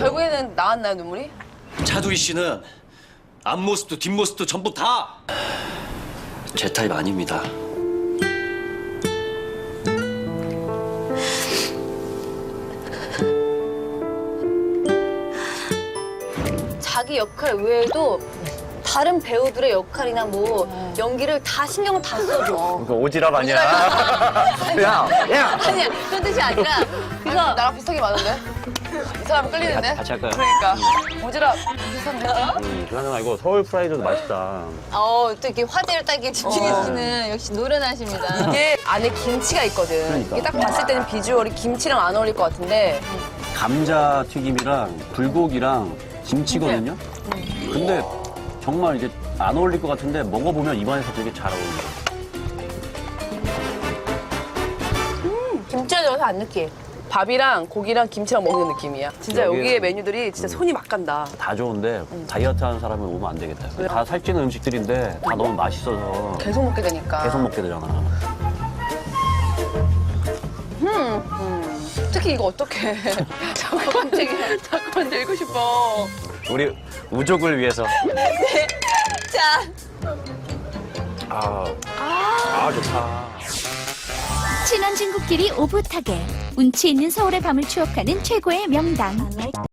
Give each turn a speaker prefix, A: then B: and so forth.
A: 결국에는 나왔나요, 눈물이?
B: 차두희 씨는 앞모습도 뒷모습도 전부 다 제 타입 아닙니다.
A: 자기 역할 외에도 다른 배우들의 역할이나 뭐 연기를 다 신경을 다 써줘.
C: 그 오지랖 아니야? 야!
A: 아니야, 그런 뜻이 아니라. 그래서
D: 나랑 비슷하게 많은데? 이 사람 끌리는데?
C: 같이 할까요?
D: 그러니까. 오지랖 비슷한데?
C: 그러나 이거 서울 프라이드도 맛있다.
A: 또 이렇게 화제를 따기에 집중해주시는 역시 노련하십니다.
D: 이게 안에 김치가 있거든.
C: 그러니까.
D: 이게 딱 봤을 때는 비주얼이 김치랑 안 어울릴 것 같은데
C: 감자 튀김이랑 불고기랑 김치거든요? 근데 정말 이게 안 어울릴 것 같은데 먹어보면 입안에서 되게 잘 어울려요.
D: 김치가 들어서 안 느끼해. 밥이랑 고기랑 김치랑 먹는 느낌이야. 진짜
C: 여기는-
D: 여기에 메뉴들이 진짜 손이 막 간다.
C: 다 좋은데 다이어트 하는 사람은 오면 안 되겠다. 다 살찌는 음식들인데 다 너무 맛있어서
D: 계속 먹게 되니까.
C: 계속 먹게 되잖아.
D: 특히 이거 어떡해. 자꾸 들고 싶어.
C: 우리 우족을 위해서.
A: 자,
C: 좋다.
E: 친한 친구끼리 오붓하게 운치 있는 서울의 밤을 추억하는 최고의 명당.